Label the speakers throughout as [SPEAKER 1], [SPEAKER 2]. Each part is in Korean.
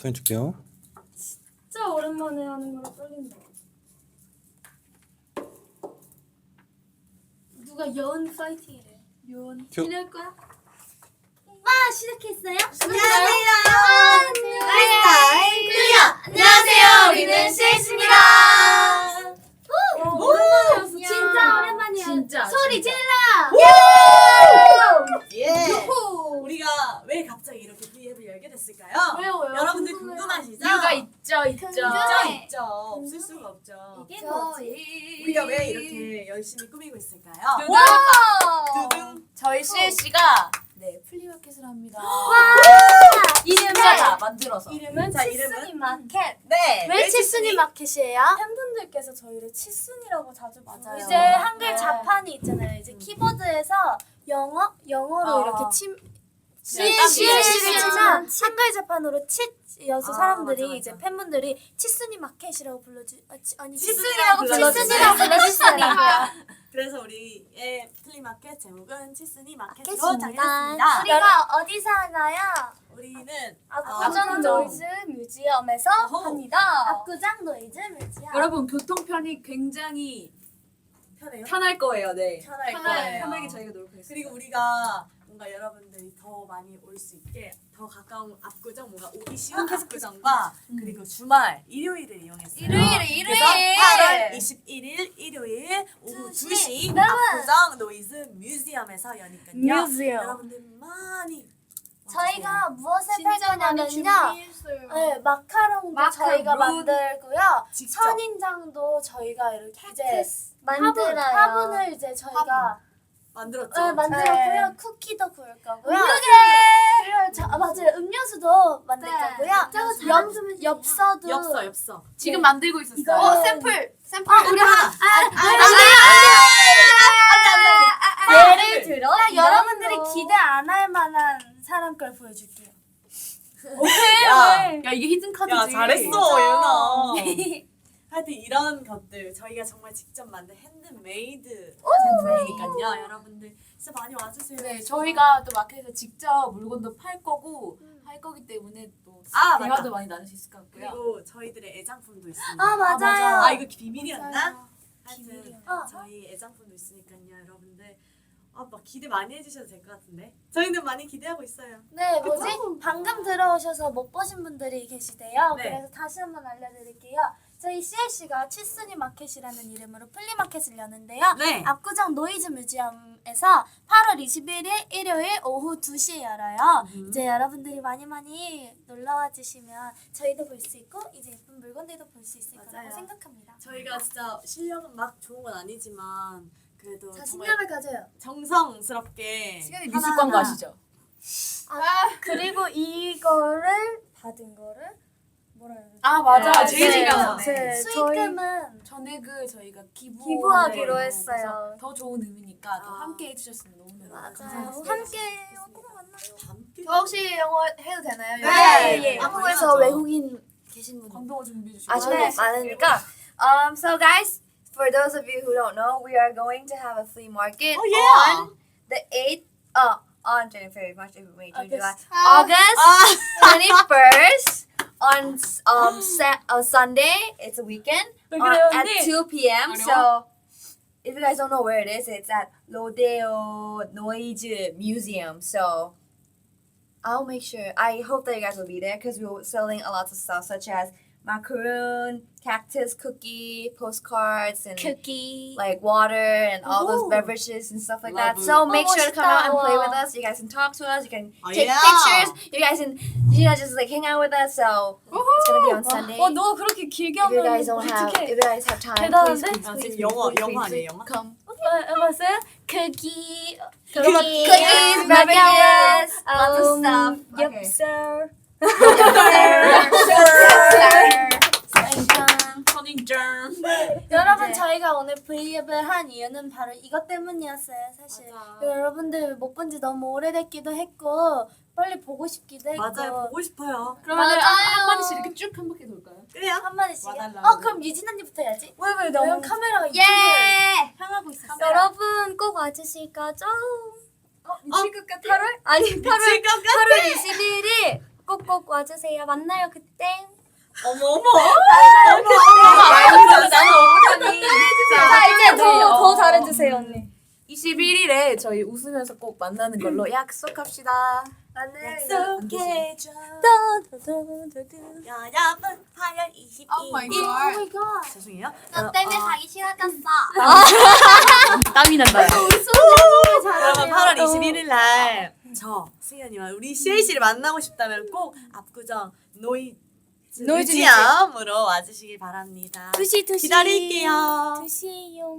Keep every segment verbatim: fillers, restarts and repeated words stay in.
[SPEAKER 1] 해줄게요.
[SPEAKER 2] 진짜 오랜만에 하는 거라 떨린다. 누가 여은 파이팅이래. 여은
[SPEAKER 1] 큐.
[SPEAKER 2] 이럴 거야? 와 시작했어요?
[SPEAKER 3] 안녕하세요. 라이스타일 클리어. 안녕하세요. 우리는 씨에스입니다.
[SPEAKER 2] 오랜만이었어. 진짜 오랜만이야.
[SPEAKER 3] 진짜,
[SPEAKER 2] 소리
[SPEAKER 3] 진짜.
[SPEAKER 2] 질러.
[SPEAKER 3] 예.
[SPEAKER 2] 요호.
[SPEAKER 3] 우리가 왜 갑자기 이렇게 브이앱을 열게 됐을까요?
[SPEAKER 2] 왜요 왜요?
[SPEAKER 3] 여러분들
[SPEAKER 2] 궁금해요.
[SPEAKER 3] 궁금하시죠?
[SPEAKER 4] 이유가 있죠, 있죠.
[SPEAKER 3] 있죠,
[SPEAKER 2] 궁금해.
[SPEAKER 3] 있죠. 없을 수가 없죠.
[SPEAKER 2] 이게 뭐지?
[SPEAKER 3] 우리가 왜 이렇게 열심히 꾸미고 있을까요?
[SPEAKER 2] 와.
[SPEAKER 3] 두둥.
[SPEAKER 4] 저희 씨씨가 네 플리마켓을 합니다.
[SPEAKER 2] 이름을
[SPEAKER 4] 만들어서.
[SPEAKER 3] 이름은 자
[SPEAKER 2] 치순이
[SPEAKER 3] 이름은
[SPEAKER 2] 마켓.
[SPEAKER 3] 네.
[SPEAKER 2] 왜 치순이 마켓이에요?
[SPEAKER 5] 팬분들께서 저희를 치순이라고 자주
[SPEAKER 3] 맞아요.
[SPEAKER 5] 부르세요.
[SPEAKER 2] 이제 한글
[SPEAKER 5] 네.
[SPEAKER 2] 자판이 있잖아요. 이제 키보드에서 영어 영어로
[SPEAKER 3] 어.
[SPEAKER 2] 이렇게 침
[SPEAKER 3] 딱
[SPEAKER 2] 씨씨를
[SPEAKER 3] 치순이
[SPEAKER 2] 치면 한글 자판으로 칫여서
[SPEAKER 3] 아,
[SPEAKER 2] 사람들이
[SPEAKER 3] 맞아, 맞아.
[SPEAKER 2] 이제 팬분들이 치순이 마켓이라고 불러주 아, 치, 아니
[SPEAKER 3] 치순이라고
[SPEAKER 2] 치순이라고
[SPEAKER 3] 불러주세요.
[SPEAKER 2] 불러주시더라고요.
[SPEAKER 3] 그래서 우리의 플리마켓 제목은 치순이 마켓으로
[SPEAKER 2] 마켓입니다.
[SPEAKER 3] 정했습니다.
[SPEAKER 2] 우리가 어디서 하나요?
[SPEAKER 3] 우리는
[SPEAKER 2] 압구정
[SPEAKER 3] 어,
[SPEAKER 2] 노이즈 뮤지엄에서
[SPEAKER 3] 어허.
[SPEAKER 2] 합니다. 압구정 노이즈 뮤지엄.
[SPEAKER 4] 여러분 교통편이 굉장히
[SPEAKER 3] 편해요?
[SPEAKER 4] 편할 거예요. 네.
[SPEAKER 3] 편할
[SPEAKER 4] 편하게,
[SPEAKER 3] 거예요.
[SPEAKER 4] 편하게 저희가 노력하겠습니다.
[SPEAKER 3] 그리고 우리가 뭔가 여러분들이 더 많이 올 수 있게 더 가까운 압구정 뭔가 오기 쉬운 압구정과 그리고 주말 일요일을 이용했어요.
[SPEAKER 2] 일요일에 일요일.
[SPEAKER 3] 그래서 팔월 이십일일 일요일 오후
[SPEAKER 2] 두
[SPEAKER 3] 두
[SPEAKER 2] 시.
[SPEAKER 3] 시
[SPEAKER 2] 여러분.
[SPEAKER 3] 압구정 노이즈 뮤지엄에서 여니까요.
[SPEAKER 2] 뮤지엄.
[SPEAKER 3] 여러분들 많이
[SPEAKER 2] 저희가 무엇을 팔
[SPEAKER 5] 진짜 많이
[SPEAKER 2] 거냐면요.
[SPEAKER 5] 준비했어요.
[SPEAKER 2] 네, 마카롱도
[SPEAKER 4] 마카롱.
[SPEAKER 2] 저희가 만들고요.
[SPEAKER 3] 직접.
[SPEAKER 2] 선인장도 저희가 이렇게 이제
[SPEAKER 5] 만들어요.
[SPEAKER 2] 화분, 화분을 이제 저희가
[SPEAKER 3] 만들었죠.
[SPEAKER 2] 네, 만들었고요.
[SPEAKER 5] 네.
[SPEAKER 2] 쿠키도 구울 거고요.
[SPEAKER 3] 그러게.
[SPEAKER 2] 그리고 저, 아, 맞아요. 음료수도 만들
[SPEAKER 5] 네.
[SPEAKER 2] 거고요.
[SPEAKER 5] 저거
[SPEAKER 2] 엽, 엽서도
[SPEAKER 3] 엽서 엽서.
[SPEAKER 4] 지금 만들고 있었어요.
[SPEAKER 2] 이거-
[SPEAKER 4] 어, 샘플. 샘플.
[SPEAKER 2] 아, 우리 하, 아,
[SPEAKER 3] 아,
[SPEAKER 2] 예를 들어 여러분들이 기대 안 할 만한 사람 걸 보여줄게요.
[SPEAKER 3] 야,
[SPEAKER 4] 야 이게 히든 카드지.
[SPEAKER 3] 야 잘했어 예은아. 하여튼 이런 것들 저희가 정말 직접 만든 핸드메이드 제품이니까요. 여러분들 진짜 많이 와주세요.
[SPEAKER 4] 네, 저희가 또 마켓에서 직접 물건도 팔 거고 할 거기 때문에 또
[SPEAKER 3] 아,
[SPEAKER 4] 대화도
[SPEAKER 3] 맞다.
[SPEAKER 4] 많이 나눌 수 있을 것 같고요.
[SPEAKER 3] 그리고 저희들의 애장품도 있습니다.
[SPEAKER 2] 아 맞아요.
[SPEAKER 4] 맞아요.
[SPEAKER 3] 아 이거 비밀이었나?
[SPEAKER 2] 맞아요.
[SPEAKER 3] 하여튼
[SPEAKER 2] 비밀이었나?
[SPEAKER 3] 저희 애장품도 있으니까요, 여러분들. 아, 막 기대 많이 해주셔도 될 것 같은데. 저희는 많이 기대하고 있어요.
[SPEAKER 2] 네, 뭐지? 방금 들어오셔서 못 보신 분들이 계시대요.
[SPEAKER 3] 네.
[SPEAKER 2] 그래서 다시 한번 알려드릴게요. 저희 씨엘씨가 치순이 마켓이라는 이름으로 플리마켓을 여는데요.
[SPEAKER 3] 네.
[SPEAKER 2] 압구정 노이즈 뮤지엄에서 팔월 이십일일 일요일 오후 두 시에 열어요.
[SPEAKER 3] 음.
[SPEAKER 2] 이제 여러분들이 많이 많이 놀러와 주시면 저희도 볼 수 있고 이제 예쁜 물건들도 볼 수 있을
[SPEAKER 3] 맞아요.
[SPEAKER 2] 거라고 생각합니다.
[SPEAKER 3] 저희가 진짜 실력은 막 좋은 건 아니지만 그래도 정말
[SPEAKER 2] 자신감을 가져요.
[SPEAKER 3] 정성스럽게
[SPEAKER 4] 시간에
[SPEAKER 3] 하나하나
[SPEAKER 4] 미술관 가시죠.
[SPEAKER 2] 그리고 이거를 받은 거를 뭐라 해야 되지?
[SPEAKER 4] 아 맞아.
[SPEAKER 3] 아,
[SPEAKER 4] 제일
[SPEAKER 3] 네.
[SPEAKER 4] 중요한 거.
[SPEAKER 3] 네.
[SPEAKER 2] 수익금은
[SPEAKER 4] 전액을 저희가 기부
[SPEAKER 2] 기부하기로
[SPEAKER 4] 네.
[SPEAKER 2] 했어요.
[SPEAKER 4] 그래서 더 좋은 의미니까 또
[SPEAKER 3] 아.
[SPEAKER 4] 함께 해주셨으면 너무너무
[SPEAKER 2] 맞아요.
[SPEAKER 4] 감사합니다.
[SPEAKER 2] 함께 꼭 만나요.
[SPEAKER 3] 함께
[SPEAKER 4] 저 혹시 영어 해도 되나요?
[SPEAKER 3] 네.
[SPEAKER 2] 예, 예.
[SPEAKER 3] 한국에서
[SPEAKER 2] 한국에서 외국인 계신 분.
[SPEAKER 4] 광동어 준비해 주시고.
[SPEAKER 6] 아, 저희 많으니까. Um, so guys, for those of you who don't know, we are going to have a flea market
[SPEAKER 3] Oh, yeah.
[SPEAKER 6] on the eighth, uh, on January, March, April, May, June, July,
[SPEAKER 2] August.
[SPEAKER 6] August twenty-first on um sa- uh, Sunday. It's a weekend
[SPEAKER 4] 왜
[SPEAKER 6] uh,
[SPEAKER 4] 그래요,
[SPEAKER 6] at
[SPEAKER 4] 언니?
[SPEAKER 6] two p.m.
[SPEAKER 4] 어려워?
[SPEAKER 6] So if you guys don't know where it is, it's at Rodeo Noise Museum. So I'll make sure. I hope that you guys will be there because we're selling a lot of stuff such as macaroon, cactus cookie, postcards, and
[SPEAKER 2] 쿠키.
[SPEAKER 6] like water and all those
[SPEAKER 2] Ooh.
[SPEAKER 6] beverages and stuff like
[SPEAKER 3] Love
[SPEAKER 6] that.
[SPEAKER 3] it.
[SPEAKER 6] So make
[SPEAKER 2] Oh,
[SPEAKER 6] sure to come out and play
[SPEAKER 2] 멋있다.
[SPEAKER 6] with us. You guys can talk to us. You can
[SPEAKER 3] Oh,
[SPEAKER 6] take
[SPEAKER 3] yeah.
[SPEAKER 6] pictures. You guys can, you know, just like hang out with us. So it's gonna be on Sunday.
[SPEAKER 2] 어, 너 그렇게 길게
[SPEAKER 6] If you
[SPEAKER 2] 하면
[SPEAKER 6] guys don't have, if
[SPEAKER 2] 어떡해.
[SPEAKER 6] you guys have time, please,
[SPEAKER 2] 대단한데?
[SPEAKER 6] please,
[SPEAKER 3] 아,
[SPEAKER 6] please,
[SPEAKER 3] 지금 영어
[SPEAKER 6] please,
[SPEAKER 3] 영어
[SPEAKER 6] please,
[SPEAKER 3] 아니에요 영어?
[SPEAKER 6] come.
[SPEAKER 2] 해봤어요? 쿠키.
[SPEAKER 6] Cookies,
[SPEAKER 2] cookies,
[SPEAKER 6] beverages,
[SPEAKER 2] um,
[SPEAKER 6] lots of stuff. Okay.
[SPEAKER 2] 엽서.
[SPEAKER 4] 선인장.
[SPEAKER 2] 여러분
[SPEAKER 6] 네.
[SPEAKER 2] 저희가 오늘 브이앱을 한 이유는 바로 이것 때문이었어요. 사실
[SPEAKER 3] 맞아.
[SPEAKER 2] 여러분들 못 본 지 너무 오래됐기도 했고 빨리 보고 싶기도 했고
[SPEAKER 3] 맞아요. 보고 싶어요.
[SPEAKER 4] 그러면
[SPEAKER 2] 맞아요.
[SPEAKER 4] 한 마디씩 이렇게 쭉 한 바퀴 돌까요?
[SPEAKER 3] 그래요?
[SPEAKER 2] 한 마디씩.
[SPEAKER 3] 와달라고.
[SPEAKER 2] 어 그럼 유진 언니부터 해야지.
[SPEAKER 6] 왜왜
[SPEAKER 2] 왜냐면 카메라가 이쪽을
[SPEAKER 6] 예!
[SPEAKER 2] 향하고 있었어.
[SPEAKER 5] 여러분 꼭 와주실 거죠?
[SPEAKER 2] 미칠 것 같아.
[SPEAKER 5] 팔월 아니 팔월
[SPEAKER 3] 미칠 것 같아.
[SPEAKER 5] 팔월 이십일일 꼭꼭 와주세요. 만나요 그때.
[SPEAKER 3] 어머 어머.
[SPEAKER 4] 나는 어떡하니?
[SPEAKER 5] 자 이제
[SPEAKER 4] 네,
[SPEAKER 5] 더,
[SPEAKER 4] 어.
[SPEAKER 5] 더 잘해주세요 언니.
[SPEAKER 4] 이십일 일에 저희 웃으면서 꼭 만나는 걸로 약속합시다.
[SPEAKER 3] 약속해줘.
[SPEAKER 5] 도도도도도.
[SPEAKER 3] 여러분 팔월 이십이 일.
[SPEAKER 2] 오 갓.
[SPEAKER 3] 죄송해요.
[SPEAKER 2] 너 때문에 가기 싫어졌어.
[SPEAKER 4] 땀이 난다.
[SPEAKER 3] 여러분 팔월 이십일일 날 저 승현이와 우리 씨에이 씨를 만나고 싶다면 꼭 압구정 노이
[SPEAKER 5] 노이즈
[SPEAKER 3] 뮤지엄으로 와주시길 바랍니다.
[SPEAKER 5] 두시 두시.
[SPEAKER 3] 기다릴게요.
[SPEAKER 5] 두시요.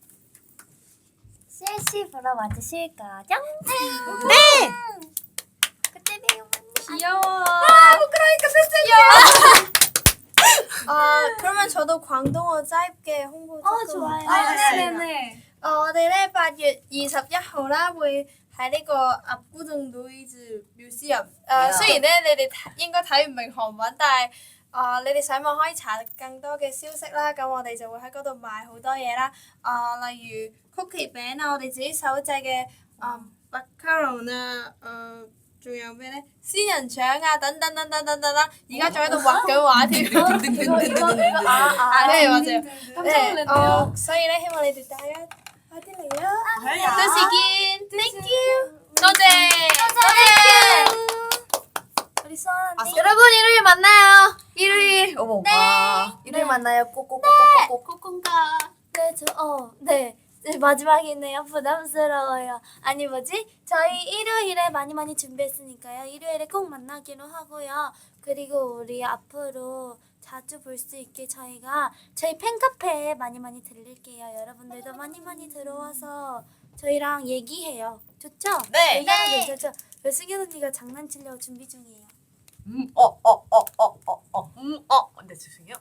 [SPEAKER 5] 씨씨 보러 와주실 거죠?
[SPEAKER 3] 네.
[SPEAKER 5] 그때 봬요.
[SPEAKER 2] 귀여워.
[SPEAKER 5] 아 부끄러우니까 패스요. 아 그러면 저도 광동어 짧게 홍보 조금.
[SPEAKER 2] 어 좋아요.
[SPEAKER 5] 아,
[SPEAKER 2] 네네네.
[SPEAKER 5] 我哋咧八月二十一號啦，會喺呢個鴨古洞 Noise Museum。誒、雖然咧你哋睇應該睇唔明韓文，但係啊、你哋上網可以查更多嘅消息啦。咁我哋就會喺嗰度賣好多嘢啦。啊、例如曲奇餅啊，我哋自己手製嘅啊 macaron 啊，誒、仲有咩咧？仙人掌啊，等等等等等等啦。而家仲喺度畫緊畫添。
[SPEAKER 2] 이거 이거 이거 아 아.
[SPEAKER 5] 네 맞아요.
[SPEAKER 2] 깜짝
[SPEAKER 5] 네,
[SPEAKER 2] 놀랐네요.
[SPEAKER 5] 어, 所以咧希望你哋大家快啲嚟啦。
[SPEAKER 3] 아,
[SPEAKER 5] 到時見，thank you，
[SPEAKER 4] 多謝。
[SPEAKER 2] 우리 수아 언니.
[SPEAKER 6] 여러분 일요일 만나요. 일요일. 어머. 와. 일요일 만나요. 꼭꼭꼭꼭꼭.
[SPEAKER 2] 코콘가. 네, 저, 어, 네. 네, 마지막이네요. 부담스러워요. 아니, 뭐지? 저희 일요일에 많이 많이 준비했으니까요. 일요일에 꼭 만나기로 하고요. 그리고 우리 앞으로 자주 볼 수 있게 저희가 저희 팬카페에 많이 많이 들릴게요. 여러분들도 많이 많이 들어와서 저희랑 얘기해요. 좋죠?
[SPEAKER 3] 네.
[SPEAKER 2] 얘기하면 괜찮죠? 그 승현 언니가 장난치려고 준비 중이에요.
[SPEAKER 3] 음어어어어어어 음 어. 네 죄송해요.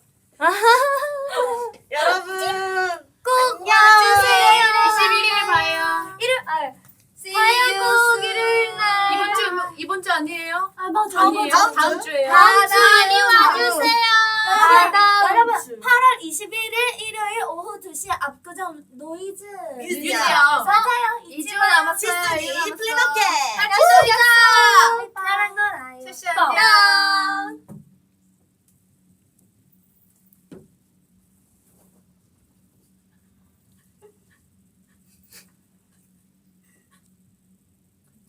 [SPEAKER 3] 여러분
[SPEAKER 2] 꼭
[SPEAKER 3] 안녕.
[SPEAKER 2] 와주세요.
[SPEAKER 4] 이십일 일에 봐요.
[SPEAKER 2] 일요일, 아,
[SPEAKER 5] 봐요, 꼭 일요일 날.
[SPEAKER 4] 이번 주 이번 주 아니에요?
[SPEAKER 2] 아, 맞아.
[SPEAKER 4] 아니에요.
[SPEAKER 3] 다음
[SPEAKER 4] 다음
[SPEAKER 3] 주.
[SPEAKER 4] 주예요.
[SPEAKER 2] 다음 주
[SPEAKER 5] 많이
[SPEAKER 2] 와주세요.
[SPEAKER 5] 다음
[SPEAKER 2] 여러분
[SPEAKER 3] 주.
[SPEAKER 2] 팔월 이십일일 일요일 오후 두 시 압구정 노이즈
[SPEAKER 3] 뮤지엄.
[SPEAKER 2] 맞아요.
[SPEAKER 5] 이 주 남았어요.
[SPEAKER 3] 시스니
[SPEAKER 5] 이 주 남았어.
[SPEAKER 3] 플리마켓.
[SPEAKER 2] 약속 약속. 나랑 놀아요.
[SPEAKER 5] 셋이 안녕.